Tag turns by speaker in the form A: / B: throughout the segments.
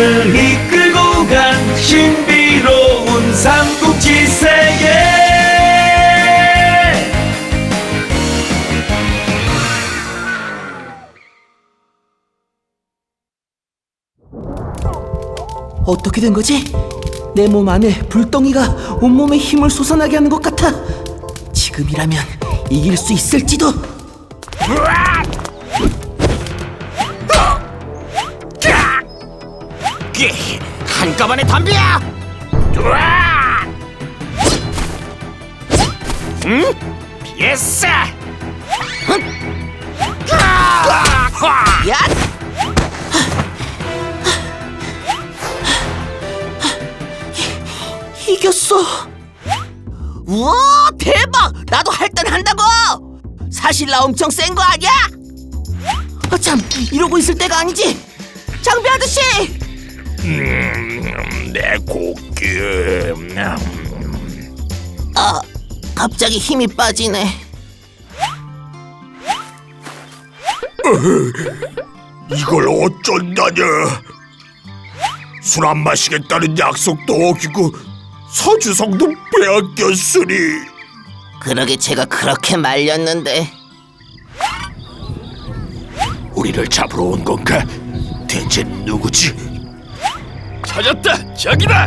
A: 우리를 이끌고 간 신비로운 삼국지 세계.
B: 어떻게 된 거지? 내 몸 안에 불덩이가 온몸에 힘을 솟아나게 하는 것 같아. 지금이라면 이길 수 있을지도.
C: 한꺼번에 덤벼! 응? 피했어!
B: 야! 이겼어. 우와, 대박! 나도 할 땐 한다고. 사실 나 엄청 센 거 아니야? 아, 참, 이러고 있을 때가 아니지. 장비 아저씨!
C: 내 고기.
B: 아, 갑자기 힘이 빠지네.
C: 이걸 어쩐다냐? 술 안 마시겠다는 약속도 어기고 서주성도 빼앗겼으니.
B: 그러게 제가 그렇게 말렸는데.
C: 우리를 잡으러 온 건가? 대체 누구지? 찾았다! 저기다!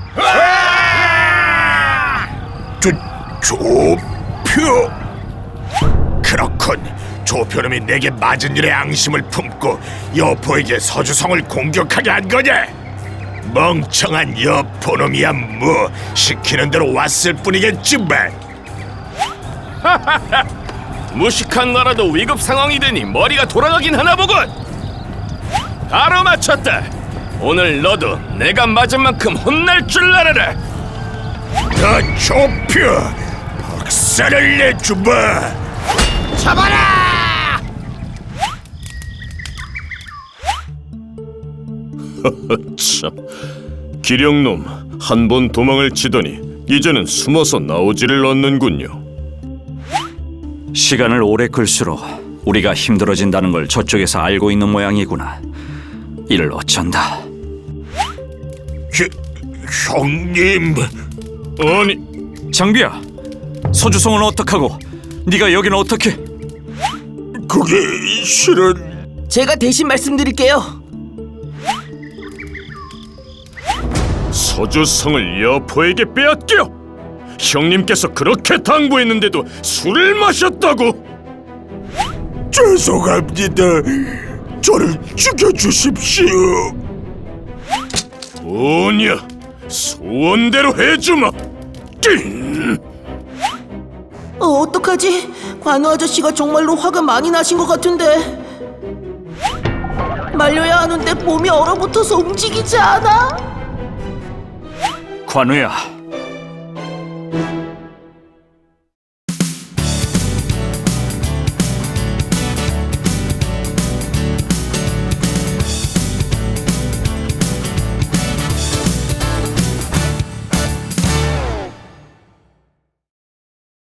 C: 조표! 그렇군. 조표놈이 내게 맞은 일에 앙심을 품고 여포에게 서주성을 공격하게 한 거냐? 멍청한 여포놈이야 뭐. 시키는 대로 왔을 뿐이겠지만.
D: 무식한 나라도 위급 상황이 되니 머리가 돌아가긴 하나 보군. 바로 맞췄다. 오늘 너도 내가 맞은 만큼 혼날 줄 알아라.
C: 너 조표! 박살을 내주마!
D: 잡아라! 참, 기령놈 한 번 도망을 치더니 이제는 숨어서 나오지를 않는군요.
E: 시간을 오래 끌수록 우리가 힘들어진다는 걸 저쪽에서 알고 있는 모양이구나. 이를 어쩐다.
C: 형님...
D: 아니,
E: 장비야, 서주성은 어떡하고 네가 여기는 어떻게?
C: 그게 실은...
B: 제가 대신 말씀드릴게요.
D: 서주성을 여포에게 빼앗겨? 형님께서 그렇게 당부했는데도 술을 마셨다고?
C: 죄송합니다. 저를 죽여주십시오.
D: 뭐냐, 소원대로 해주마.
B: 어떡하지? 관우 아저씨가 정말로 화가 많이 나신 것 같은데. 말려야 하는데 몸이 얼어붙어서 움직이지 않아.
E: 관우야,